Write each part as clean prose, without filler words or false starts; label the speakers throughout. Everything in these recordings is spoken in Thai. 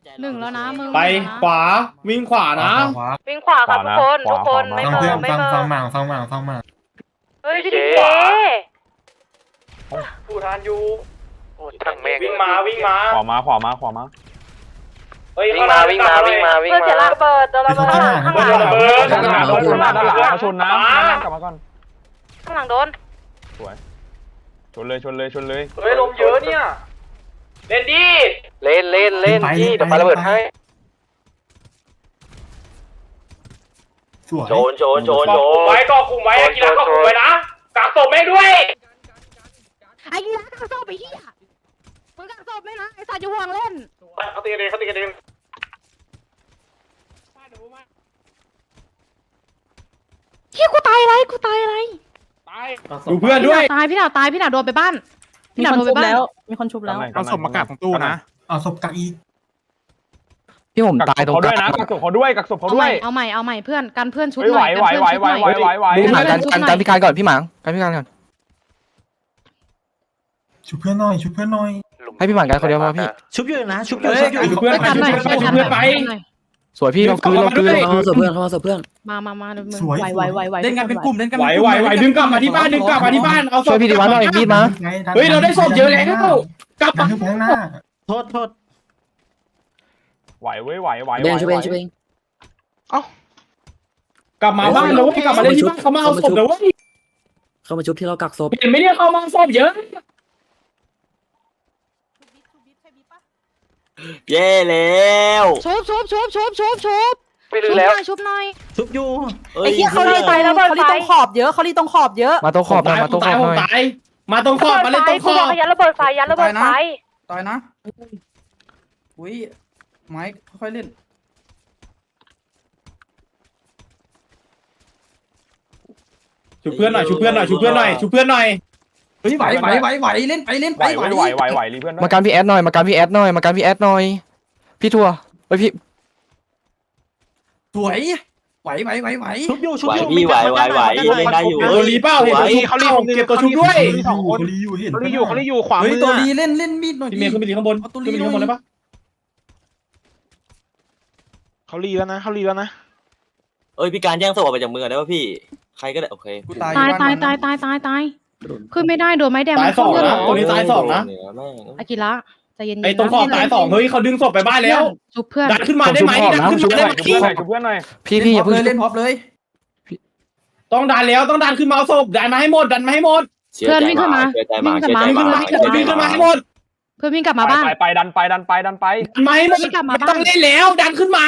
Speaker 1: หนึ่งแล้วนะมึง
Speaker 2: ไปขวาวิ่งขวานะ
Speaker 3: วิ่งขวาครับทุกคนไม่
Speaker 4: ฟัง
Speaker 3: เม
Speaker 4: เพื่อ
Speaker 3: อน ไม่
Speaker 4: ฟัง
Speaker 3: เมอ
Speaker 4: ฟังหมางฟังหมางฟังหมาง
Speaker 3: เฮ้ยพี่ดิเจ
Speaker 2: ผู้ทานอยู่
Speaker 5: ทั้งแม่ง
Speaker 2: วิ่งมาวิ่งมา
Speaker 6: ขวามาขวามาขวามา
Speaker 2: เฮ้ย
Speaker 5: วิ่งมาวิ่งมาวิ่งมาวิ่ง
Speaker 3: เพื่อน
Speaker 5: มา
Speaker 3: เสียระเบิดโดนระเบิดข้างหลังข้างหลัง
Speaker 2: ระเบิด
Speaker 6: ด้านหลังด้านหลังเขาชนนะกลับมาก่อน
Speaker 3: ข้างหลังโดน
Speaker 6: สวยชนเลยชนเลยชนเลย
Speaker 2: เฮ้ยลมเยอะเนี่ยเล่นดิ
Speaker 5: เล่นเล่นเล่นพี่เดี๋ยวปาระเบิดให้
Speaker 4: สวย
Speaker 5: โจนโจนโจน
Speaker 2: ก
Speaker 5: โจ
Speaker 2: คุม
Speaker 5: น
Speaker 2: ไว้ก็คุมไว้กีฬาก็คุมไว้นะกักศพแม่งด้วย
Speaker 1: ไอ้ยีราฟกักศพไปเหี้ยมึงกักศพไหมนะไอ้สัตว์จะห่วงเล่น
Speaker 2: เขาตีกันเองเขาตีกันเอง
Speaker 1: เฮียกูตายอะไรกูตายอะไร
Speaker 2: ดูเพื่อนด้วย
Speaker 1: ตายพี่หนาวตายพี่หนาวโดนไปบ้านพี่หนาวโดนไปบ้านมีคนชุบแล้ว
Speaker 6: เอาศพมากาดของตู้นะ
Speaker 4: เอาศพกักอีก
Speaker 7: พี่ผมตายตรง
Speaker 6: เขา
Speaker 7: ก
Speaker 6: ด้วย
Speaker 7: ลาง
Speaker 6: นะกักศพเขาด้วยกักศพเขาด้วย
Speaker 1: เอาใหม่เพื่อนกันเพื่อนชุบห
Speaker 6: ไหว
Speaker 1: น่อย
Speaker 6: ไหวไหวไหวไหวไหวไหว
Speaker 7: ดูหมากันพิการก่อนพี่หมางกันพิการก่อน
Speaker 4: ชุบเพื่อนหน่อยชุบเพื่อนหน่อย
Speaker 7: ให้พี่หมางกันคนเดียวพอพี่
Speaker 8: ชุบอยู่นะชุบอยู่
Speaker 2: เฮ้ย
Speaker 8: ชุบอยู่
Speaker 2: ดูเพื่อนไปดูเพื่อนไปดูเพื่อนไป
Speaker 7: สวยพี่เราคืน
Speaker 8: เข้ามาเสิร์ฟเพื่อนเข้ามาเสิร์ฟเพื่อน
Speaker 1: มามึง
Speaker 4: สวย
Speaker 1: ไหว
Speaker 8: เล่นกันเป็นกลุ่มเล่นกัน
Speaker 2: ไหวไหวไหวดึงกลับมาที่บ้านดึงกลับมาที่บ้านเอาศ
Speaker 7: ช่วย
Speaker 2: พ
Speaker 7: พี่ดีวันหน่อยมีดมา
Speaker 2: เฮ้ยเราได้ศพเยอะแล้วกลับ
Speaker 4: ดั
Speaker 2: มาน
Speaker 4: ขึ้นไปข้างหน้า
Speaker 8: โทษ
Speaker 6: ไหวเว้ยไหวไหว
Speaker 8: เบนช่วยเบนช่วยเบน
Speaker 2: กลับมาบ้านแล้วกลับมาเล่นที่บ้านเขามาเอาศพแล้ว
Speaker 8: เข้ามาชุบที่เรากักศพ
Speaker 2: เห็นไหมเนี่ยเขามาศพเยอะ
Speaker 5: เย่แล้ว
Speaker 1: ชุบ
Speaker 5: ไม่รู้แล้ว
Speaker 1: ชุบหน่อย
Speaker 8: ชุบอยู่
Speaker 1: ไอ้เหี้ยเขารีตายแล้วเขารีตรงขอบเยอะเขารีตรงขอบเยอะ
Speaker 7: มาตรงขอบหน่อยมาตรงขอบหน่อย
Speaker 2: ตายมาตรงขอบมาเล่นตรงขอบ
Speaker 3: ยัดระเบิดไฟยัดระเบิดไฟ
Speaker 8: ตายนะอุ้ยไม้ค่อยเล่น
Speaker 2: ชูเพื่อนหน่อยชูเพื่อนหน่อยชูเพื่อนหน่อยชูเพื่อนหน่อย
Speaker 8: เฮ้ยไหวเล่นไปเล่น
Speaker 6: ไห
Speaker 8: ไป
Speaker 6: วไหวไหวไหวรีเพื่อน
Speaker 7: มาการพี่แอดหน่อยมาการพี่แอดหน่อยมาการพี่แอดหน่อยพี่ทัวร์ไปพี่
Speaker 8: สวยไหวชุบอยู่
Speaker 5: ไหวพี่ไหวเล่นได้อยู่
Speaker 2: เออรีเป้าเห็นตัวชุบเข้าเก็บตัวชุบด้วย
Speaker 4: เขาลีอยู่เห็น
Speaker 6: เขาลีอยู่ขวา
Speaker 8: เฮ้ย
Speaker 6: มือ
Speaker 8: ตัวดีเล่นมีดหน่อย
Speaker 2: พี่
Speaker 8: ดิ
Speaker 2: เมย์ขึ้นไปดีข้างบนขึ้นไปดีข้างบนเลยปะ
Speaker 6: เขาลีแล้วนะเขาลีแล้วนะ
Speaker 5: เอ้ยพี่การแย่งศพออกไปจากมือได้ป่ะพี่ใครก็ได้โอเค
Speaker 8: กูตาย
Speaker 1: ตายขึ้นไม่ได้โดนไม้แดง
Speaker 2: ตายสองนะตัวนี้ตายสองนะ
Speaker 1: อากิระใจเย็นๆ
Speaker 2: ไอ้ตรงขอบตายสองเฮ้ยเขาดึงศพไปบ้านแล้ว
Speaker 1: ชุบเพื่อน
Speaker 2: ดันขึ้นมาได้ไหมดันขึ้นมาได้ไหม
Speaker 6: ชุบเพื่อนหน่อยชุบเพื่อนหน่อย
Speaker 7: พี่อย่าเพิ่ง
Speaker 8: เล่นพร็อพเลย
Speaker 2: ต้องดันแล้วต้องดันขึ้นมาเอาศพดันมาให้หมดดันมาให้หมด
Speaker 5: เชื่อใจมา
Speaker 2: วิ่งขึ้นมาให้หมด
Speaker 1: เพื่อนวิ่งกลับมาบ้าน
Speaker 6: ไปดันไปดันไปดันไป
Speaker 2: ดันมาให้หมดไม่ต้องเล่นแล้วดันขึ้นมา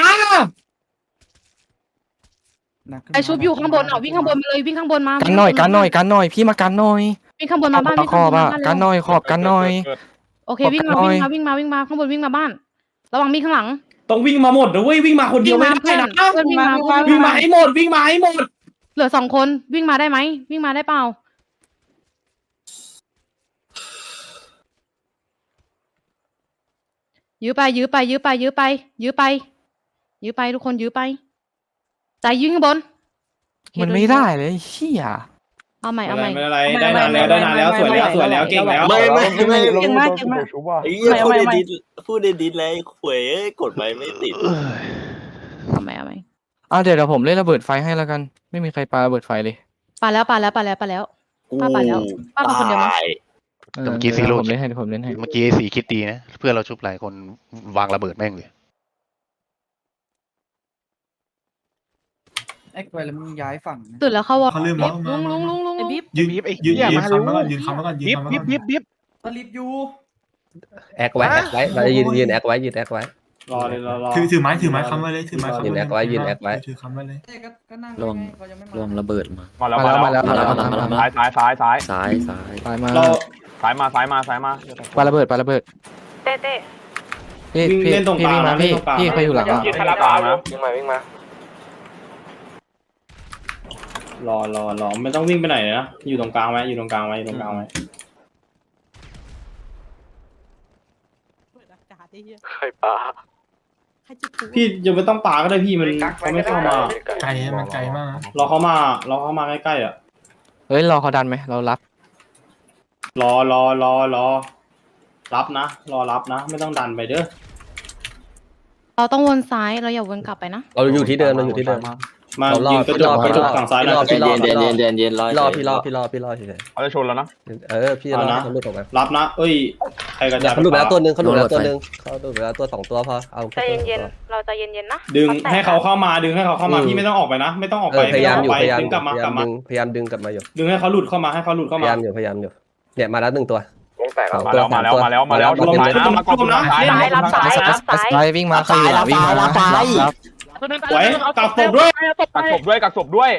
Speaker 1: ไอชุบอยู่ข้างบนวิ่งข้างบนมาเลยวิ่งข้างบนมา
Speaker 7: กันหน่อยพี่มากันหน่อย
Speaker 1: วิ่งข้างบนมาบ้าน
Speaker 7: ขอบอ่ะกันหน่อยขอบกันหน่อย
Speaker 1: โอเควิ่งมาข้างบนวิ่งมาบ้านระวังมีข้างหลัง
Speaker 2: ต้องวิ่งมาหมดนะเว้ยวิ่งมาคนเดียวไม่ได้นะ
Speaker 1: เพื่อนวิ่งมา
Speaker 2: วิ่งมาให้หมดวิ่งมาให้หมด
Speaker 1: เหลือ2 คนวิ่งมาได้ไหมวิ่งมาได้เปล่ายื้อไปทุกคนยื้อไปใจยื้อข้างบน
Speaker 7: มันไม่ได้เลยเชี่ย
Speaker 1: เอาใหม่
Speaker 2: ไม่เป็นไรได้นานแล้วสวยแล้วเก่งแล้ว
Speaker 5: ไม่
Speaker 6: เก่งมากชุบว่ะ
Speaker 5: ไอ้พูดในดิสเลยขวยกดไปไม่ติด
Speaker 1: เอาใหม่
Speaker 7: เดี๋ยวผมเล่นระเบิดไฟให้แล้วกันไม่มีใครปาระเบิดไฟเลย
Speaker 1: ปาแล้วป้าเป็นคนเดียวมั้ย
Speaker 7: เมื่อกี้ซีโร่ผมเล่นให้เมื่อกี้
Speaker 9: สีคิดดีนะเพื่อนเราชุบหลายคนวางระเบิดแม่งเลย
Speaker 8: แอคไว้แล้วมึงย้ายฝั่ง
Speaker 1: ตื่นแล้วเข้าวอ
Speaker 4: เขาลืมแล้ว
Speaker 1: ลุง
Speaker 4: ยืนคำแล้วก่อนยืนคำแล้วก่อนยืนคำแล้วก่อน
Speaker 6: ยิบ
Speaker 8: สลิปอยู่
Speaker 10: แอคไว้เราจะยืนแอคไว้ยืนแอคไว้
Speaker 2: รอเลยรอ
Speaker 4: ถือไม้คำไว้เลยถือไม้คำไว้
Speaker 10: ยืนแอคไว้ยืนแอคไว้
Speaker 4: ถือคำไว้เลย
Speaker 8: ก็นั่ง
Speaker 10: ลงระเบิดมา
Speaker 6: มาแล้วซ้าย
Speaker 10: ซ้าย
Speaker 7: ปามา
Speaker 2: เรา
Speaker 6: ซ้ายมา
Speaker 7: ปาระเบิด
Speaker 3: เต้
Speaker 7: พี่
Speaker 2: เล่นตรงกลาง
Speaker 7: วิ่งมา
Speaker 2: เล่นตรงกลาง
Speaker 7: พี่ใครอยู่หลัง
Speaker 6: ยืนธนาคารนะ
Speaker 5: วิ่งมาร
Speaker 2: อไม่ต้องวิ่งไปไหนนะอยู่ตรงกลางไว้
Speaker 5: ใครปลา
Speaker 2: พี่ยังไม่ต้องปาก็ได้พี่มันเขาไม่เข้ามา
Speaker 4: ไกลมันไกลมากนะ
Speaker 2: เราเข้ามาใกล้ๆอ่ะ
Speaker 7: เฮ้ยรอเขาดันไหมเรารับ
Speaker 2: รอ รับนะรอรับนะไม่ต้องดันไปเด้อ
Speaker 4: เขาลืมแล้ว
Speaker 2: รอ รอ รอ รอ รอ ไม่ต้องดันไปเด้อ รอ รอ รอ รอ ไม่ต้องดันไปเด้อ รอ รอ รอ รอ รอ รับนะ รอ รับนะ ไม่ต้องดันไปเด้อ รอ รอ รอ รอ ไม่ต้องดันไปเด้อ
Speaker 1: เราต้องวนซ้ายเราอย่าวนกลับไปนะ
Speaker 10: เราอยู่ที่เดิมเราอยู่ที่เดิม
Speaker 2: มา
Speaker 10: เรารอ
Speaker 2: ยิงกระจกกระจกฝั่งซ้ายหน่อย
Speaker 5: เย็นเย็นรอ
Speaker 10: พี่รอเฉย
Speaker 6: เขาจะชนแล้วนะ
Speaker 10: พี่รอเขาหลุดออกมา
Speaker 2: รับนะเอ้ยใครกระจาย
Speaker 10: เขาหลุดไปแล้วตัวนึงเขาหลุดไปแล้วตัวนึงเขาหลุดไปแล้วตัว2ตัวพอเอา
Speaker 3: ใจเย็นๆเราใจเย็นๆนะ
Speaker 2: ดึงให้เขาเข้ามาดึงให้เขาเข้ามาพี่ไม่ต้องออกไปนะ ไม่ต้องออกไป
Speaker 10: พยายามอยู่
Speaker 2: ไป
Speaker 10: พยายาม
Speaker 2: ดึงกลับมากลับมา
Speaker 10: พยายามดึงกลับมาอยู่
Speaker 2: ดึงให้เขาหลุดเข้ามาให้เขาหลุดเข้า
Speaker 10: พ
Speaker 2: มาย
Speaker 10: ายามอยู่เนี่ยมาแล้ว1ตัว
Speaker 6: มาแล้วมาแล้วรวมนะมากองนะ
Speaker 3: ซ้ายรับซ้ายรับซ้าย
Speaker 7: ซ้ายวิ่งมาใครอยู่วิ่งมารับ
Speaker 2: ไว้กักศพด้วย
Speaker 6: กักศพด้วยกักศพด้วย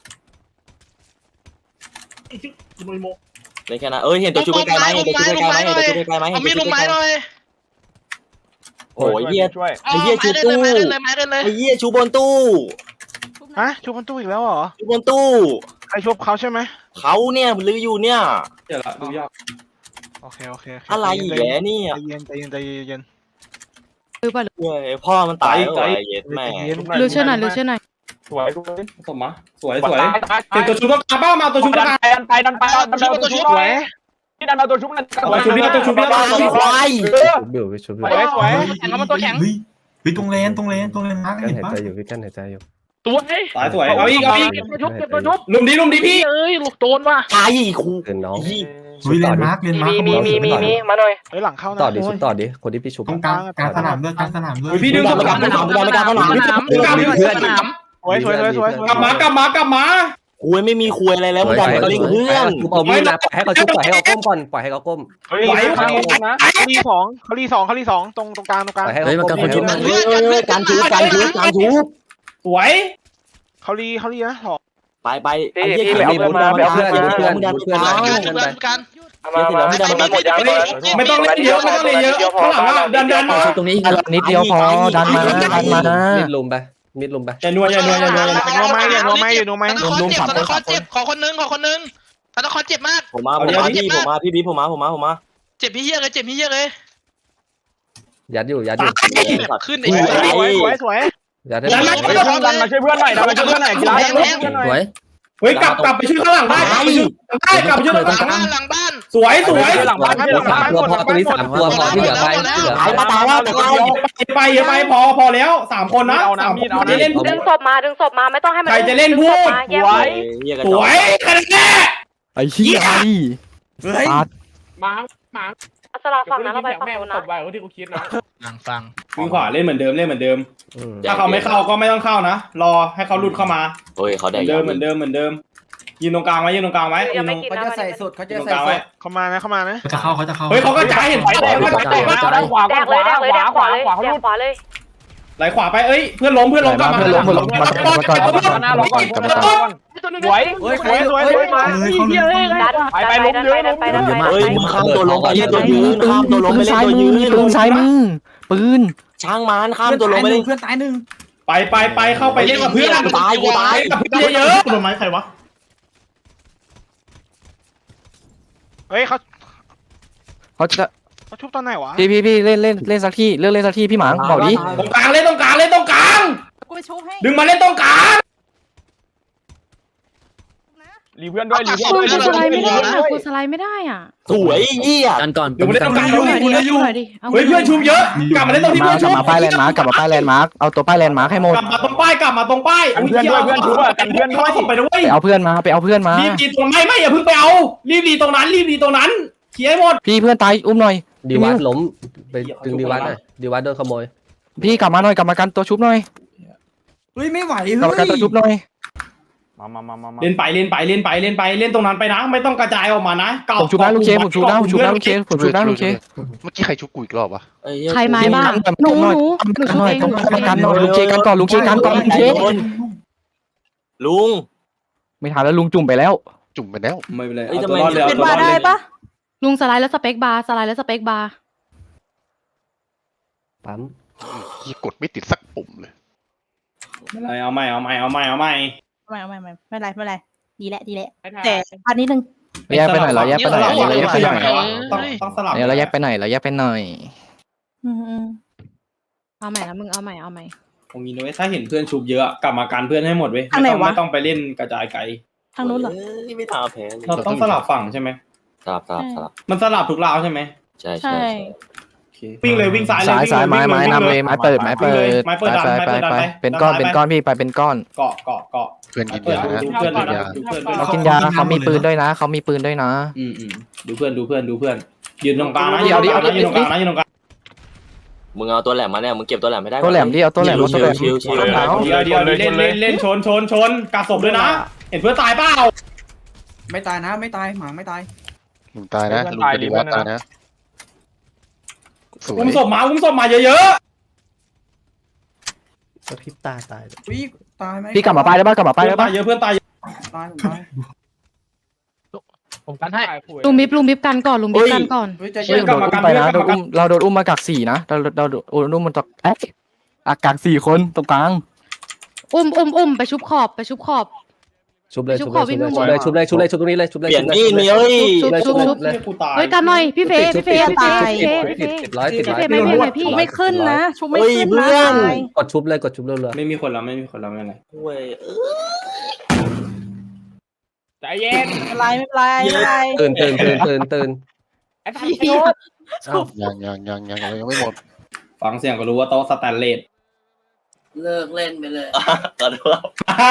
Speaker 5: เลยแค่นั้นเห็นตัวชูใกล้ไหมเห็นตัวชูใกล้ไหมเห็นตัวชูใกล้ไหมเห็นตัวชูใกล้ไหมโอ้ยเหี้ย
Speaker 6: ช่วย
Speaker 5: ไอ้เหี้ยชูตู้ไอ้เหี้ยชูบนตู้
Speaker 11: ฮะชูบนตู้อีกแล้วเหรอ
Speaker 5: ชูบนตู้
Speaker 11: ใครชุบเขาใช่ไหม
Speaker 5: เขาเนี่ยลืออยู่เนี่ย
Speaker 2: เดี๋ยวละดูยาก
Speaker 11: โอเค
Speaker 5: อะไรอีกแกเนี่ย
Speaker 11: ใจเย็น
Speaker 1: หรือเปล่า
Speaker 5: พ่อมันตายแล้วไอ้เย็ดแม่
Speaker 1: หรือเชื่อหน่อยหรือเชื่อหน่อย
Speaker 6: สวย
Speaker 2: สมมาสวยสวยเห็นตัวชุบกาบ้ามาตัวชุบกา
Speaker 6: ดันไปตัวชุบสวยที่ดันมาตัวชุบนั่น
Speaker 2: ตัวชุบนี่ตัวชุบนี่ตัวชุบ
Speaker 5: ควาย
Speaker 10: บิวไปชุบ
Speaker 11: สวยสวย
Speaker 4: แข่งมาตัวแข็งเฮ้ยตรงเลนมาร์ก
Speaker 10: กัน
Speaker 4: เห็น
Speaker 10: หาย
Speaker 4: ปะ
Speaker 10: ใจอยู่พี่กันหายใจอยู่
Speaker 2: สายสวยเอาอีกลุมดีพี่
Speaker 5: ตายอีกคู
Speaker 10: เกินน้อง
Speaker 4: เฮ้ยเลนมาร์ก
Speaker 3: มีมาหน่อย
Speaker 11: เฮ้ยหลังเข้านะ
Speaker 10: ต่อดิชุบต่อดิคนที่พี่ชุบ
Speaker 4: ตรงกลางสนามด้วยกลางสนามด้วย
Speaker 2: พี่ดึงกลับมา
Speaker 11: สวย
Speaker 2: กลับมา
Speaker 5: คุยไม่มีคุยอะไรแล้วมึงดันมาเล่นเพื่อน
Speaker 10: เอามีดนะให้เขาชุบปล่อยให้เขาก้มก่อนปล่อยให้เขาก้ม
Speaker 6: เฮ้ยนะ
Speaker 11: เขาลีสองตรงกลาง
Speaker 10: ปล่อยให้เขาก้ม
Speaker 5: การชู
Speaker 2: สวย
Speaker 11: เขาลีนะสอง
Speaker 5: ไปไอ้เหี้ยเพื่อนมึงดันไป
Speaker 2: ไม่ต้องเล่นเยอะข้างหลังดันมา
Speaker 7: ตรงนี้นิดเดียวพอดันมา
Speaker 10: มิดลุมไป
Speaker 2: อย่านัว
Speaker 11: อย่านัวไหม
Speaker 7: ลุมสามคน
Speaker 11: ขอคนนึงธนาคารเจ็บมาก
Speaker 5: ผมมาพี่บิ๊ผมมา
Speaker 11: เจ็บพี่เหี้ยเลย
Speaker 10: ยัดอยู่
Speaker 11: ขึ้นไอ้สวย
Speaker 10: ยัดให้
Speaker 6: ดันมาช่วยเพื่อนหน่อยกีฬา
Speaker 7: สวย
Speaker 2: เฮ้ยกลับไปช่วยข้างหลังได้กลับไปช่วยข้างหลัง
Speaker 11: หลังบ้าน
Speaker 2: สวย
Speaker 6: หลังบ้าน
Speaker 10: ตัวพอตัวนี้3ตัวพอที่เหลือไป
Speaker 2: ไปพอแล้ว3คนนะจะเล่น
Speaker 3: ดึงศพมาไม่ต้องให้มัน
Speaker 2: ใครจะเล่นพูด สวยคะแนน
Speaker 7: ไอ้เหี้ยตัด
Speaker 3: สลับฝั่งนั้นเราไปฝั่งนู้นนะ
Speaker 11: ฟัง
Speaker 2: วิ่งขวาเล่นเหมือนเดิมถ้าเขาไม่เข้าก็ไม่ต้องเข้านะรอให้เขาหลุดเข้ามา
Speaker 5: โอ้ยเขาได้
Speaker 2: เหมือนเดิมยืนตรงกลางไว้
Speaker 3: ยังไม่กิน
Speaker 8: เขา
Speaker 3: นะ
Speaker 8: จะใส่สุดเขาจะ
Speaker 2: ตรง
Speaker 8: ใส่
Speaker 2: กลาง
Speaker 8: สุ
Speaker 2: ไว้
Speaker 8: ด
Speaker 11: เขามานะ
Speaker 4: เขาจะเข้า
Speaker 2: เฮ้ยเขาก็จ่ายเห็นไหม
Speaker 6: ขวา
Speaker 3: แดกเลย
Speaker 2: ไหลขวาไปเพื่อนล้มกลับมา
Speaker 6: สวย
Speaker 3: ไปล้มเยอะไป
Speaker 5: เฮ้ยมึงข้ามตัวลงไปเล่นตัวยืนข้ามตัวลงไปเล่นตัวยืน
Speaker 7: ปืนซ้ายมือปืน
Speaker 5: ช่างมันข้ามตัวลงไปเล่น
Speaker 8: เพื่อนตายหนึ่ง
Speaker 2: ไปเข้าไปเล่นกับเพื่อน
Speaker 5: ตาย
Speaker 2: กับเพื่อนเยอะ
Speaker 4: ต้นไม้ใครวะ
Speaker 11: เฮ้ยเขา
Speaker 7: เขาจะ
Speaker 11: ชุบตอนไหนวะ
Speaker 7: พี่เล่นสักที่เล่นสักที่พี่หมางบอกดิ
Speaker 2: ตรงกลางเล่นตรงกลาง
Speaker 1: กูไปชุบให้
Speaker 2: ดึงมาเล่นตรงกลาง
Speaker 6: รีเพื่อนด้วย
Speaker 1: กูสไลด์ไม่ได้อ่ะกูสไลด์ไม่ได้อ่ะ
Speaker 5: สวยเหี้ย
Speaker 10: กันก่อน
Speaker 2: เดี๋ยวมาเล่นตรงกลาง
Speaker 1: เอาหน่อยดิเอาหน่อยดิ
Speaker 2: เฮ้ยเพื่อนชุบเยอะกลับมาเล่นตรงที่เพื่อน
Speaker 7: ก
Speaker 2: ชุ
Speaker 7: ลั
Speaker 2: บบ
Speaker 7: มาป้ายแลนด์มาร์กเอาตัวป้ายแลนด์มาร์กให้หมด
Speaker 2: กลับมาตรงป้ายเข้าส่งไปด้วย
Speaker 7: ไปเอาเพื่อนมา
Speaker 2: รีบดีตรงไม่อย่าเพิ่งไปเอารีบดีตรงนั้นเคลียร์ให้หมด
Speaker 7: พี่เพื่อนตายอุ้มหน่อย
Speaker 10: ดีวัดล้มไปดึงดีวัดหน่อยดีวัดโดนขโมย
Speaker 7: พี่กลับมาหน่อยกลับมากันตัวชุบหน่อย
Speaker 8: เฮ้ยไม่ไหว
Speaker 7: กลับมากันตัวชุบหน่อย
Speaker 6: มา
Speaker 2: เล่นไปเล่นตรงนั้นไปนะไม่ต้องกระจายออกมานะ
Speaker 7: ผมชุบได้ลูกเคผมชุบได้ลูกเค
Speaker 9: เมื่อกี้ใครชุบกูอีกรอบวะ
Speaker 1: ใครไม้บ้างหนูชุบเอง
Speaker 7: ต้องกันหน่อยลุงเคกันก่อนลุงเค
Speaker 5: ลุง
Speaker 7: ไม่ทันแล้วลุงจุ่มไปแล้ว
Speaker 9: จุ่มไปแล้ว
Speaker 2: ไม่เป็นไร
Speaker 1: เป็นบาร์ได้ปะลุงสไลด์แล้วสเปคบาร์
Speaker 10: ปั๊ม
Speaker 9: ยี่กดไม่ติดสักปุ่มเลย
Speaker 2: เอาใหม่
Speaker 1: ไม่เป็นไรดีแหละแต่อันนี้นึง
Speaker 7: แยกไปหน่อยเราแยกไปหน่อยเราแยกไปหน่อย
Speaker 2: ต้องสลับ
Speaker 7: เราแยกไปหน่อย
Speaker 1: เอาใหม่แล้วมึงเอาใหม่
Speaker 2: ตรงนี้นะเว้ยถ้าเห็นเพื่อนชุบเยอะกลับมาการเพื่อนให้หมดเว้ยไม่ต้องไปเล่นกระจายไกล
Speaker 1: ทางนู้นเหรอ
Speaker 5: ไม่ทำแพ้
Speaker 2: เราต้องสลับฝั่งใช่ไหม
Speaker 5: สลับ
Speaker 2: มันสลับทุกราวใช่ไหม
Speaker 5: ใช่
Speaker 2: โอเควิ่งเลยวิ่งซ้ายเลย
Speaker 7: สายไม้นำเลยไม้เปิด
Speaker 2: ไม้เปิด
Speaker 7: ไปเป็นก้อนพี่ไปเป็นก้อน
Speaker 2: เกาะ
Speaker 9: เพื่อนกินยานะ
Speaker 2: ดูเพื่อน
Speaker 9: กินยา
Speaker 7: เขากินยาเขามีปืนด้วยนะเขามีปืนด้วยนะ
Speaker 2: ดูเพื่อนยืนตรงกลางนะ
Speaker 7: เดี๋ยว
Speaker 2: ยืนตรงกลางนะ
Speaker 5: มึงเอาตัวแหลมมาเนี่ยมึงเก็บตัวแหลมไม่ได้
Speaker 7: ตัวแหลมดิเอาตัวแหลม
Speaker 5: ชิว
Speaker 2: เดี๋ยวเล่นชนกาศพด้วยนะเห็นเพื่อนตายเปล่า
Speaker 8: ไม่ตายนะไม่ตายหมาไม่ตาย
Speaker 9: ลุงตายนะลุงปฏิวัติตายนะสวย
Speaker 2: อุ้มศพมาเยอะ
Speaker 10: กระพริบตาตาย
Speaker 8: อุ้ยตายไหม
Speaker 7: พี่กลับมาไปได้ป่ะกลับมา
Speaker 2: ๆ
Speaker 7: ไปได้ป่ะ
Speaker 2: เพื่อนตาย
Speaker 8: ตายผมตาย
Speaker 11: ผมกันให้
Speaker 1: ลุงบิ๊บกันก่อนลุงบิ๊บกันก่อน
Speaker 8: เฮ้ยใจ
Speaker 7: เฮ้
Speaker 8: เย็
Speaker 7: ย
Speaker 8: น
Speaker 7: โดนอุ้มไปนะเราโดนอุ้มมากัก4นะเราโดนอุ้มมันตกกัก4คนตรงกลาง
Speaker 1: อุ้มไปชุบขอบ
Speaker 10: ชุบเลยชุบเลยชุบตรงนี้เลยชุบเลย
Speaker 5: เปลี่ยนมีดมีเอ้ย
Speaker 1: ชุบ
Speaker 2: กูตาย
Speaker 1: เฮ้ยกันหน่อยพี่เฟย์
Speaker 10: ตาย
Speaker 1: พี่เฟย์
Speaker 10: 10
Speaker 1: ไม่พี่
Speaker 10: ไม่ขึ้นนะ
Speaker 5: ชุบไม่ขึ้นเพื่อน
Speaker 10: กดชุบเลยกดชุบเรื่อย
Speaker 2: ไม่มีคนแล้วไม่เป็นไร
Speaker 5: เว้ย
Speaker 6: ใจเย็น
Speaker 3: อะไรไม่เป็นไรไม่เป็นไร
Speaker 10: ตื่น
Speaker 6: ไอ้สัตว์โยน
Speaker 9: ยังไม่หมด
Speaker 2: ฟังเสียงก็รู้ว่าโต๊ะสแตนเลส
Speaker 8: เลิกเล่นไปเลย
Speaker 5: ขอโทษ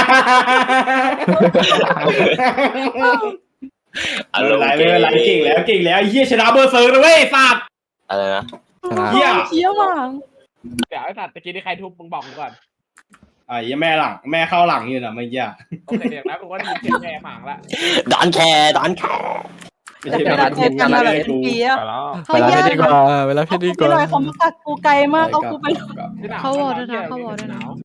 Speaker 2: ไม่เป็นไรเก่งแล้วเฮียชนะเบอร์เซอร์เลยเว้ยสัตว์
Speaker 5: อะไรนะ
Speaker 2: เฮีย
Speaker 3: เชี่ยวมาก
Speaker 6: เดี๋ยวไอ้สัตว์ตะกี้ที่ใครทุบมึงบอกกูก่อน
Speaker 2: ไอ้แม่เข้าหลังอยู่นะเมื่อกี้
Speaker 6: โอเคเดี๋ยวนะกูว่าดีเสียงแย่หมางละ
Speaker 5: ดอนแคร์
Speaker 2: ไม่ใช่ไม่ได้
Speaker 3: เจ็บกันอะไรทุกปีอะ
Speaker 7: เวลาพี่ดีกว่าเวลาพี่ดีก
Speaker 3: พี่หน่
Speaker 7: ว่า
Speaker 3: อยเขามากักกูไกลมากเอากูไป
Speaker 1: เขาวอร์ด้วยนะ